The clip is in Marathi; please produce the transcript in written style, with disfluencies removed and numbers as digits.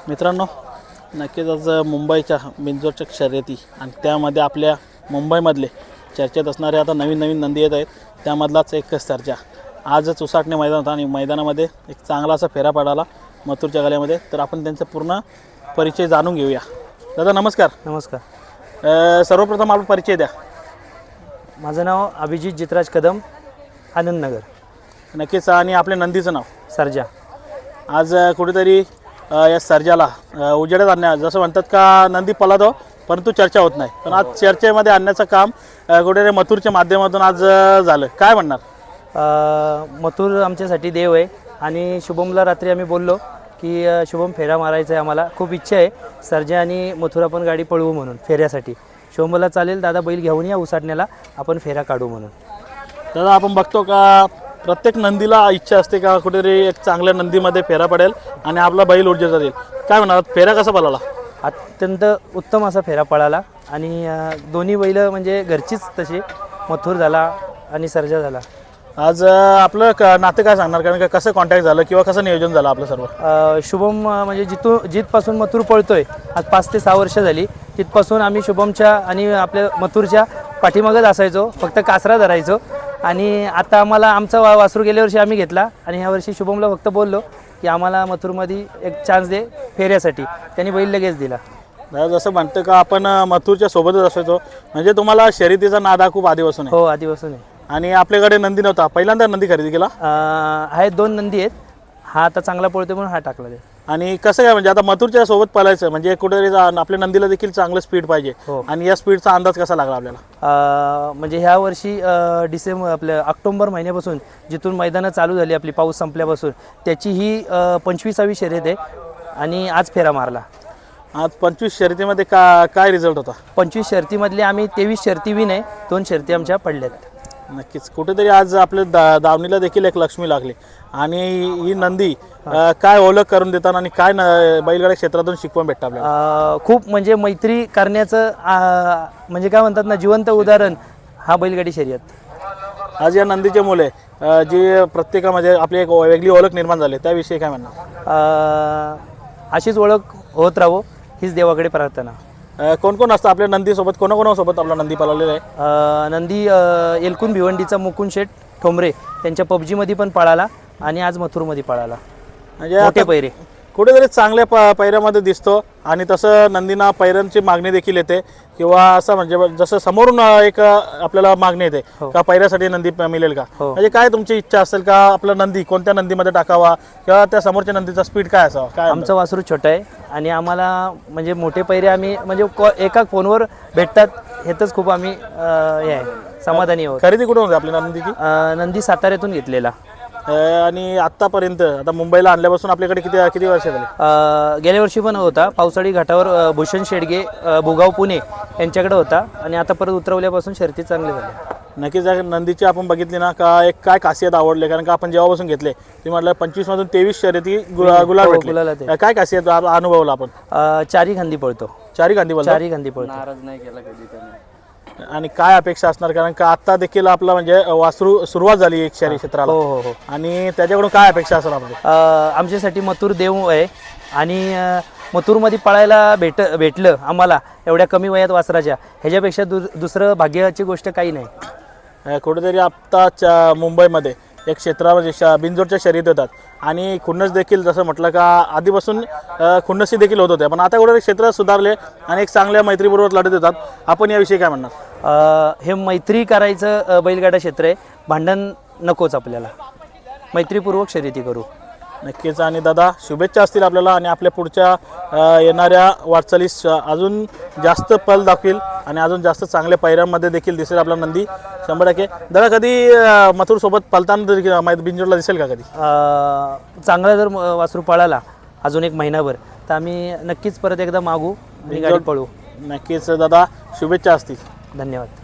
मित्रांनो, नक्कीच आज मुंबईच्या बिंजोरच्या शर्यती आणि त्यामध्ये आपल्या मुंबईमधले चर्चेत असणारे आता नवीन नवीन नंदी येत आहेत. त्यामधलाच एक सर्जा आजच उसाटणे मैदानात आणि मैदानामध्ये एक चांगला असा फेरा पडाला मथुरच्या गळ्यामध्ये. तर आपण त्यांचा पूर्ण परिचय जाणून घेऊया. दादा नमस्कार. नमस्कार. सर्वप्रथम आपला परिचय द्या. माझं नाव अभिजित जितराज कदम, आनंदनगर. नक्कीच. आणि आपल्या नंदीचं नाव सर्जा. आज कुठेतरी या सर्जाला उजेडात आणण्या, जसं म्हणतात का नंदी पळतो परंतु चर्चा होत नाही, पण आज चर्चेमध्ये आणण्याचं काम कुठेतरी मथुरच्या माध्यमातून आज झालं. काय म्हणणार? मथुर आमच्यासाठी देव आहे आणि शुभमला रात्री आम्ही बोललो की शुभम फेरा मारायचा आहे, आम्हाला खूप इच्छा आहे सर्जा आणि मथुर आपण गाडी पळवू म्हणून फेऱ्यासाठी. शुभमला चालेल दादा, बैल घेऊन या उसाटण्याला, आपण फेरा काढू म्हणून. दादा आपण बघतो का प्रत्येक नंदीला इच्छा असते का कुठेतरी एक चांगल्या नंदीमध्ये फेरा पडेल आणि आपला बैल ऊर्जा जाईल. काय म्हणणार, फेरा कसा पळाला? अत्यंत उत्तम असा फेरा पळाला आणि दोन्ही बैल म्हणजे घरचीच तशी, मथुर झाला आणि सर्जा झाला. आज आपलं नातं काय सांगणार, कारण का कसं कॉन्टॅक्ट झालं किंवा कसं नियोजन झालं आपलं सर्व? शुभम म्हणजे जिथपासून मथुर पळतोय, आज 5 ते 6 वर्ष झाली, तिथपासून आम्ही शुभमच्या आणि आपल्या मथुरच्या पाठीमागच असायचो, फक्त कासरा धरायचो. आणि आता आम्हाला आमचा वासरू गेल्या वर्षी आम्ही घेतला आणि ह्या वर्षी शुभमला फक्त बोललो की आम्हाला मथुरमध्ये एक चान्स दे फेऱ्यासाठी, त्यांनी बैल लगेच दिला. जसं म्हणतं का आपण मथुरच्या सोबतच असायचो, म्हणजे तुम्हाला शर्यतीचा नाद खूप आधीपासून आहे? हो, आधीपासून आहे. आणि आपल्याकडे नंदी नव्हता, पहिल्यांदा नंदी खरेदी केला? आहेत 2 नंदी आहेत, हा आता चांगला पळतो म्हणून हा टाकला ते. आणि कसं काय, म्हणजे आता मथुरच्या सोबत पळायचं म्हणजे कुठेतरी आपल्या नंदीला देखील चांगलं स्पीड पाहिजे. आणि या स्पीडचा अंदाज कसा लागला आपल्याला? म्हणजे ह्या वर्षी आपल्या ऑक्टोबर महिन्यापासून जिथून मैदानं चालू झाली आपली, पाऊस संपल्यापासून, त्याची ही 25वी शर्यत आहे आणि आज फेरा मारला. आज 25 शर्यतीमध्ये काय रिझल्ट होता? 25 शर्यतीमधले आम्ही 23 शर्यती विन आहे, 2 शर्यती आमच्या पडल्यात. नक्कीच. कुठेतरी आज आपल्या दावणीला देखील एक लक्ष्मी लागली आणि ही नंदी काय ओळख करून देतात आणि काय बैलगाड्या क्षेत्रातून शिकवण भेटतं आपल्याला? खूप म्हणजे मैत्री करण्याचं म्हणजे काय म्हणतात ना, जिवंत उदाहरण हा बैलगाडी शर्यत. आज या नंदीचे मुले जी प्रत्येकामध्ये आपली एक वेगळी ओळख निर्माण झाली, त्याविषयी काय म्हणणार? अशीच ओळख होत राहो हीच देवाकडे प्रार्थना. कोण कोण असतं आपल्या नंदीसोबत, कोणाकोणासोबत आपला नंदी पळवलेला आहे? नंदी एलकुन भिवंडीचा मुकुंद शेठ ठोंबरे त्यांच्या पबजीमध्ये पण पळाला आणि आज मथुरमध्ये पळाला. म्हणजे मोठे पैरे कुठेतरी चांगल्या पैऱ्यामध्ये दिसतो आणि तसं नंदीना पैऱ्यांची मागणी देखील येते किंवा असं म्हणजे जसं समोरून एक आपल्याला मागणी येते का पैऱ्यासाठी नंदी मिळेल का? म्हणजे काय तुमची इच्छा असेल का आपला नंदी कोणत्या नंदीमध्ये टाकावा किंवा त्या समोरच्या नंदीचा स्पीड काय असावा? काय आमचं वासरू छोटं आहे आणि आम्हाला म्हणजे मोठे पैरे आम्ही म्हणजे एका फोनवर भेटतात, हेच खूप आम्ही हे आहे समाधानी आहोत. खरेदी कुठून होती आपल्या नंदीची? नंदी साताऱ्यातून घेतलेला. आणि आतापर्यंत आता मुंबईला आणल्यापासून आपल्याकडे किती वर्ष झाली? गेल्या वर्षी पण होता पावसाळी घाटावर भूषण शेडगे भुगाव पुणे यांच्याकडे होता आणि आता परत उतरवल्यापासून शर्यती चांगली झाली. नक्कीच. नंदीची आपण बघितली ना का एक काय खासियत आवडली, कारण का आपण जेव्हापासून घेतले तुम्ही म्हटलं 25 मधून 23 शर्यती गुलाल भेटले, काय खासियत अनुभवला आपण? चारी खांदी पळतो. चारी खांदी पळतो. नाराज नाही केला कधी त्याने. आणि काय अपेक्षा असणार, कारण का आता देखील आपला म्हणजे वासरू सुरुवात झाली एक शहरी क्षेत्राला. हो. आणि त्याच्याकडून काय अपेक्षा असणार आपली? आमच्यासाठी मथुर देव आहे आणि मथुरमध्ये पळायला भेटलं आम्हाला एवढ्या कमी वयात वासराच्या, ह्याच्यापेक्षा दुसरं भाग्याची गोष्ट काही नाही. कुठेतरी आत्ताच्या मुंबईमध्ये एक क्षेत्रामध्ये बिंजोरच्या शर्यती होतात आणि खुन्नस देखील जसं म्हटलं का आधीपासून खुन्नसी देखील होत होते, पण आता कुठेतरी क्षेत्र सुधारले आणि एक चांगल्या मैत्रीपूर्वक लढत होतात. आपण याविषयी काय म्हणणार? हे मैत्री करायचं बैलगाडा क्षेत्र आहे, भांडण नकोच आपल्याला, मैत्रीपूर्वक शर्यती करू. नक्कीच. आणि दादा शुभेच्छा असतील आपल्याला आणि आपल्या पुढच्या येणाऱ्या वाटचालीस अजून जास्त पल दाखवेल आणि अजून जास्त चांगल्या पैऱ्यांमध्ये देखील दिसेल आपला नंदी 100%. दादा कधी मथुर सोबत पलताना बिंजोरला दिसेल का कधी? चांगला जर वासरू पळाला अजून 1 महिनाभर तर आम्ही नक्कीच परत एकदा मागू आणि गाडी पळू. नक्कीच दादा, शुभेच्छा असतील. धन्यवाद.